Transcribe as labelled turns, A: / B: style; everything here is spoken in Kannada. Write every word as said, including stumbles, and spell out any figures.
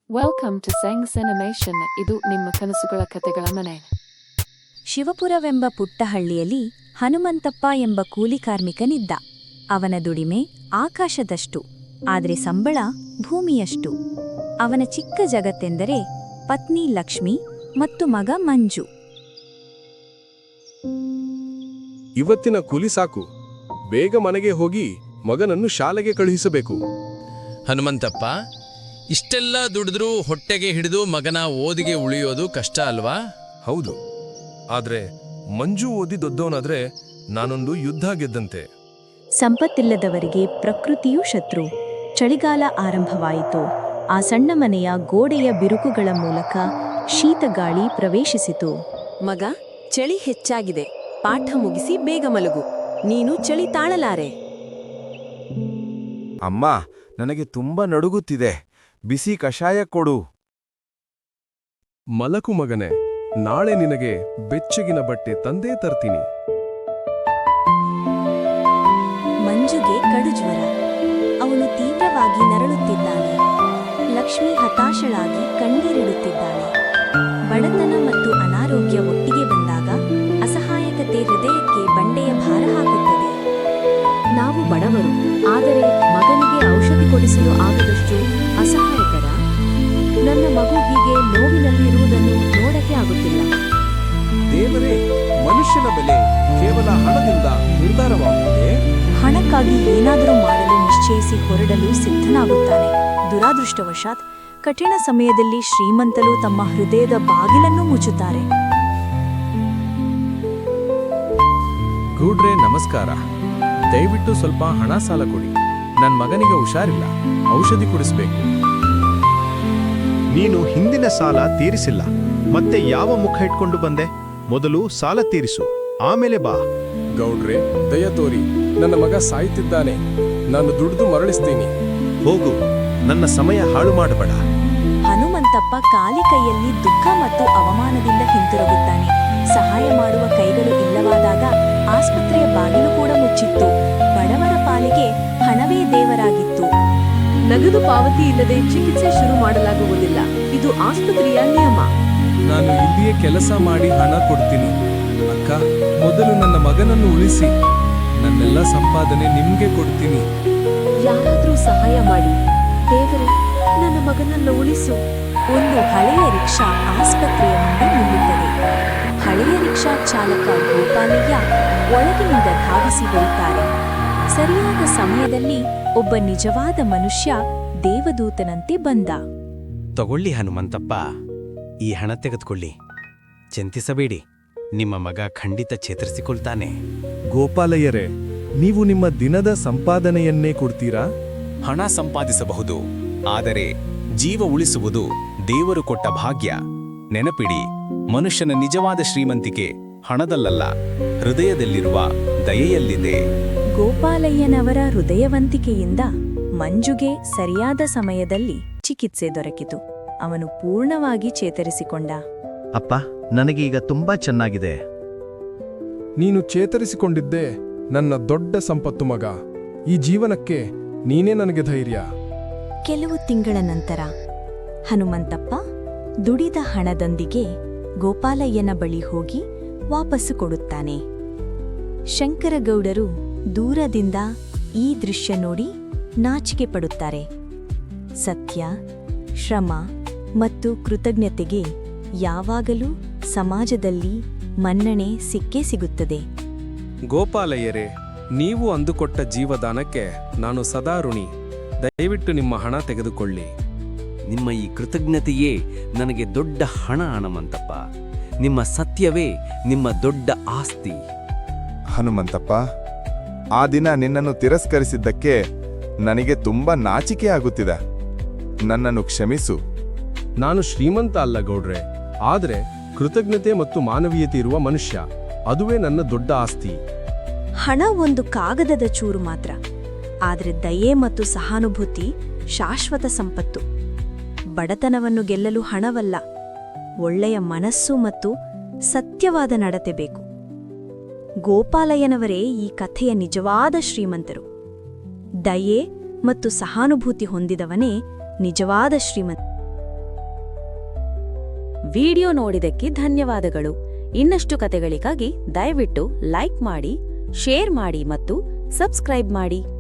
A: Welcome to ಸೆಂಗ್ಸ್ animation. ಇದು ನಿಮ್ಮ ಕನಸುಗಳ ಕತೆಗಳ ಮನೆ.
B: ಶಿವಪುರವೆಂಬ ಪುಟ್ಟ ಹಳ್ಳಿಯಲ್ಲಿ ಹನುಮಂತಪ್ಪ ಎಂಬ ಕೂಲಿ ಕಾರ್ಮಿಕನಿದ್ದ. ಅವನ ದುಡಿಮೆ ಆಕಾಶದಷ್ಟು, ಆದರೆ ಸಂಬಳ ಭೂಮಿಯಷ್ಟು. ಅವನ ಚಿಕ್ಕ ಜಗತ್ತೆಂದರೆ ಪತ್ನಿ ಲಕ್ಷ್ಮಿ ಮತ್ತು ಮಗ ಮಂಜು.
C: ಇವತ್ತಿನ ಕೂಲಿ ಸಾಕು, ಬೇಗ ಮನೆಗೆ ಹೋಗಿ ಮಗನನ್ನು ಶಾಲೆಗೆ ಕಳುಹಿಸಬೇಕು.
D: ಹನುಮಂತಪ್ಪ, ಇಷ್ಟೆಲ್ಲ ದುಡಿದ್ರೂ ಹೊಟ್ಟೆಗೆ ಹಿಡಿದು ಮಗನ ಓದಿಗೆ ಉಳಿಯೋದು ಕಷ್ಟ ಅಲ್ವಾ?
C: ಹೌದು, ಆದ್ರೆ ಮಂಜು ಓದಿ ದೊಡ್ಡವನಾದ್ರೆ ನಾನೊಂದು ಯುದ್ಧ ಗೆದ್ದಂತೆ.
B: ಸಂಪತ್ತಿಲ್ಲದವರಿಗೆ ಪ್ರಕೃತಿಯೂ ಶತ್ರು. ಚಳಿಗಾಲ ಆರಂಭವಾಯಿತು. ಆ ಸಣ್ಣ ಮನೆಯ ಗೋಡೆಯ ಬಿರುಕುಗಳ ಮೂಲಕ ಶೀತಗಾಳಿ ಪ್ರವೇಶಿಸಿತು.
E: ಮಗ, ಚಳಿ ಹೆಚ್ಚಾಗಿದೆ. ಪಾಠ ಮುಗಿಸಿ ಬೇಗ ಮಲಗು. ನೀನು ಚಳಿ ತಾಳಲಾರೆ.
F: ಅಮ್ಮ, ನನಗೆ ತುಂಬಾ ನಡುಗುತ್ತಿದೆ. ಬಿಸಿ ಕಷಾಯ ಕೊಡು.
C: ಮಲಕು ಮಗನೆ, ನಾಳೆ ನಿನಗೆ ಬೆಚ್ಚಗಿನ ಬಟ್ಟೆ ತಂದೇ ತರ್ತೀನಿ.
B: ಮಂಜುಗೆ ಕಡುಜ್ವರ. ಅವನು ತೀವ್ರವಾಗಿ ನರಳುತ್ತಿದ್ದಾನೆ. ಲಕ್ಷ್ಮಿ ಹತಾಶಳಾಗಿ ಕಣ್ಣೀರಿಡುತ್ತಿದ್ದಾಳೆ. ಬಡತನ ಮತ್ತು ಅನಾರೋಗ್ಯ ಒಟ್ಟಿಗೆ ಬಂದಾಗ ಅಸಹಾಯಕತೆ ಹೃದಯಕ್ಕೆ ಬಂಡೆಯ ಭಾರ ಹಾಕುತ್ತದೆ.
E: ನಾವು ಬಡವರು, ಆದರೆ ಮಗನಿಗೆ ಔಷಧಿ ಕೊಡಿಸಲು ಆಗದಷ್ಟು ಅಸಹಾಯಕರ. ನನ್ನ ಮಗು ಹೀಗೆ ನೋವಿನಲ್ಲಿರುವುದನ್ನು ನೋಡಕ್ಕೆ ಆಗುತ್ತಿಲ್ಲ.
C: ದೇವರೇ, ಮನುಷ್ಯನ ಬೆಲೆ ಕೇವಲ ಹಣದಿಂದ ನಿರ್ಧಾರವಾಗುತ್ತದೆ.
B: ಹಣಕ್ಕಾಗಿ ಏನಾದರೂ ಮಾಡಲು ನಿಶ್ಚಯಿಸಿ ಹೊರಡಲು ಸಿದ್ಧನಾಗುತ್ತಾನೆ. ದುರಾದೃಷ್ಟವಶಾತ್ ಕಠಿಣ ಸಮಯದಲ್ಲಿ ಶ್ರೀಮಂತರು ತಮ್ಮ ಹೃದಯದ ಬಾಗಿಲನ್ನು ಮುಚ್ಚುತ್ತಾರೆ.
F: ಗೂಡ್ರೆ, ನಮಸ್ಕಾರ. ದಯವಿಟ್ಟು ಸ್ವಲ್ಪ ಹಣ ಸಾಲ ಕೊಡಿ. ನನ್ನ ಮಗನಿಗೆ ಹುಷಾರಿಲ್ಲ, ಔಷಧಿ ಕೊಡಿಸ್ಬೇಕು.
G: ನೀನು ಹಿಂದಿನ ಸಾಲ ತೀರಿಸಿಲ್ಲ, ಮತ್ತೆ ಯಾವ ಮುಖ ಇಟ್ಕೊಂಡು ಬಂದೆ? ಮೊದಲು ಸಾಲ ತೀರಿಸು, ಆಮೇಲೆ ಬಾ.
C: ಗೌಡ್ರೆ, ದಯ ತೋರಿ, ನನ್ನ ಮಗ ಸಾಯ್ತಿದ್ದಾನೆ. ನಾನು ದುಡಿದು ಮರಳಿಸ್ತೀನಿ.
G: ಹೋಗು, ನನ್ನ ಸಮಯ ಹಾಳು ಮಾಡಬೇಡ.
B: ಹನುಮಂತಪ್ಪ ಖಾಲಿ ಕೈಯಲ್ಲಿ ದುಃಖ ಮತ್ತು ಅವಮಾನದಿಂದ ಹಿಂತಿರುಗುತ್ತಾನೆ. ಸಹಾಯ ಮಾಡುವ ಕೈಗಳು ಇಲ್ಲವಾದಾಗ ಆಸ್ಪತ್ರೆಯ ಬಾಗಿಲು ಕೂಡ ಮುಚ್ಚಿತ್ತು. ಬಡವರ ಪಾಲಿಗೆ ಹಣವೇ ದೇವರಾಗಿತ್ತು.
E: ನಗದು ಪಾವತಿ ಇಲ್ಲದೆ ಚಿಕಿತ್ಸೆ ಶುರು ಮಾಡಲಾಗುವುದಿಲ್ಲ. ಇದು ಆಸ್ಪತ್ರೆಯ ನಿಯಮ.
C: ನಾನು ಇಲ್ಲಿಯೇ ಕೆಲಸ ಮಾಡಿ ಹಣ ಕೊಡ್ತೀನಿ. ಅಕ್ಕ, ಮೊದಲು ನನ್ನ ಮಗನನ್ನು ಉಳಿಸಿ. ನನ್ನೆಲ್ಲ ಸಂಪಾದನೆ ನಿಮ್ಗೆ ಕೊಡ್ತೀನಿ.
E: ಯಾರಾದ್ರೂ ಸಹಾಯ ಮಾಡಿ. ದೇವರೇ, ನನ್ನ ಮಗನನ್ನು ಉಳಿಸು.
B: ಒಂದು ಹಳೆಯ ರಿಕ್ಷಾ ಆಸ್ಪತ್ರೆಯ ಮುಂದೆ ನಿಲ್ಲುತ್ತದೆ. ಹಳೆಯ ರಿಕ್ಷಾ ಚಾಲಕ ಗೋಪಾಲಯ್ಯ ಒಳಗಿನಿಂದ ಧಾವಿಸಿ ಬರುತ್ತಾರೆ. ಸರಿಯಾದ ಸಮಯದಲ್ಲಿ ಒಬ್ಬ ನಿಜವಾದ ಮನುಷ್ಯ ದೇವದೂತನಂತೆ ಬಂದ.
H: ತಗೊಳ್ಳಿ ಹನುಮಂತಪ್ಪ, ಈ ಹಣ ತೆಗೆದುಕೊಳ್ಳಿ. ಚಿಂತಿಸಬೇಡಿ, ನಿಮ್ಮ ಮಗ ಖಂಡಿತ ಚೇತರಿಸಿಕೊಳ್ತಾನೆ.
C: ಗೋಪಾಲಯ್ಯರೇ, ನೀವು ನಿಮ್ಮ ದಿನದ ಸಂಪಾದನೆಯನ್ನೇ ಕೊಡ್ತೀರಾ?
H: ಹಣ ಸಂಪಾದಿಸಬಹುದು, ಆದರೆ ಜೀವ ಉಳಿಸುವುದು ದೇವರು ಕೊಟ್ಟ ಭಾಗ್ಯ. ನೆನಪಿಡಿ, ಮನುಷ್ಯನ ನಿಜವಾದ ಶ್ರೀಮಂತಿಕೆ ಹಣದಲ್ಲಲ್ಲ, ಹೃದಯದಲ್ಲಿರುವ ದಯೆಯಲ್ಲಿದೆ.
B: ಗೋಪಾಲಯ್ಯನವರ ಹೃದಯವಂತಿಕೆಯಿಂದ ಮಂಜುಗೆ ಸರಿಯಾದ ಸಮಯದಲ್ಲಿ ಚಿಕಿತ್ಸೆ ದೊರಕಿತು. ಅವನು ಪೂರ್ಣವಾಗಿ ಚೇತರಿಸಿಕೊಂಡ.
G: ಅಪ್ಪ, ನನಗೆ ಈಗ ತುಂಬಾ ಚೆನ್ನಾಗಿದೆ.
C: ನೀನು ಚೇತರಿಸಿಕೊಂಡಿದ್ದೇ ನನ್ನ ದೊಡ್ಡ ಸಂಪತ್ತು ಮಗ. ಈ ಜೀವನಕ್ಕೆ ನೀನೇ ನನಗೆ ಧೈರ್ಯ.
B: ಕೆಲವು ತಿಂಗಳ ನಂತರ ಹನುಮಂತಪ್ಪ ದುಡಿದ ಹಣದೊಂದಿಗೆ ಗೋಪಾಲಯ್ಯನ ಬಳಿ ಹೋಗಿ ವಾಪಸ್ಸು ಕೊಡುತ್ತಾನೆ. ಶಂಕರಗೌಡರು ದೂರದಿಂದ ಈ ದೃಶ್ಯ ನೋಡಿ ನಾಚಿಕೆ ಪಡುತ್ತಾರೆ. ಸತ್ಯ, ಶ್ರಮ ಮತ್ತು ಕೃತಜ್ಞತೆಗೆ ಯಾವಾಗಲೂ ಸಮಾಜದಲ್ಲಿ ಮನ್ನಣೆ ಸಿಕ್ಕೇ ಸಿಗುತ್ತದೆ.
C: ಗೋಪಾಲಯ್ಯರೇ, ನೀವು ಅಂದುಕೊಟ್ಟ ಜೀವದಾನಕ್ಕೆ ನಾನು ಸದಾ ಋಣಿ. ದಯವಿಟ್ಟು ನಿಮ್ಮ ಹಣ ತೆಗೆದುಕೊಳ್ಳಿ.
I: ನಿಮ್ಮ ಈ ಕೃತಜ್ಞತೆಯೇ ನನಗೆ ದೊಡ್ಡ ಹಣ. ಹನುಮಂತಪ್ಪ, ನಿಮ್ಮ ಸತ್ಯವೇ ನಿಮ್ಮ ದೊಡ್ಡ ಆಸ್ತಿ.
F: ಹನುಮಂತಪ್ಪ, ಆ ದಿನ ನಿನ್ನನ್ನು ತಿರಸ್ಕರಿಸಿದ್ದಕ್ಕೆ ನನಗೆ ತುಂಬಾ ನಾಚಿಕೆ ಆಗುತ್ತಿದೆ. ನನ್ನನ್ನು ಕ್ಷಮಿಸು.
C: ನಾನು ಶ್ರೀಮಂತ ಅಲ್ಲ ಗೌಡ್ರೆ, ಆದರೆ ಕೃತಜ್ಞತೆ ಮತ್ತು ಮಾನವೀಯತೆ ಇರುವ ಮನುಷ್ಯ. ಅದುವೇ ನನ್ನ ದೊಡ್ಡ ಆಸ್ತಿ.
B: ಹಣ ಒಂದು ಕಾಗದದ ಚೂರು ಮಾತ್ರ, ಆದರೆ ದಯೆ ಮತ್ತು ಸಹಾನುಭೂತಿ ಶಾಶ್ವತ ಸಂಪತ್ತು. ಬಡತನವನ್ನು ಗೆಲ್ಲಲು ಹಣವಲ್ಲ, ಒಳ್ಳೆಯ ಮನಸ್ಸು ಮತ್ತು ಸತ್ಯವಾದ ನಡತೆ ಬೇಕು. ಗೋಪಾಲಯ್ಯನವರೇ ಈ ಕಥೆಯ ನಿಜವಾದ ಶ್ರೀಮಂತರು. ದಯೆ ಮತ್ತು ಸಹಾನುಭೂತಿ ಹೊಂದಿದವನೇ ನಿಜವಾದ ಶ್ರೀಮಂತ. ವಿಡಿಯೋ ನೋಡಿದಕ್ಕೆ ಧನ್ಯವಾದಗಳು. ಇನ್ನಷ್ಟು ಕತೆಗಳಿಗಾಗಿ ದಯವಿಟ್ಟು ಲೈಕ್ ಮಾಡಿ, ಶೇರ್ ಮಾಡಿ ಮತ್ತು ಸಬ್ಸ್ಕ್ರೈಬ್ ಮಾಡಿ.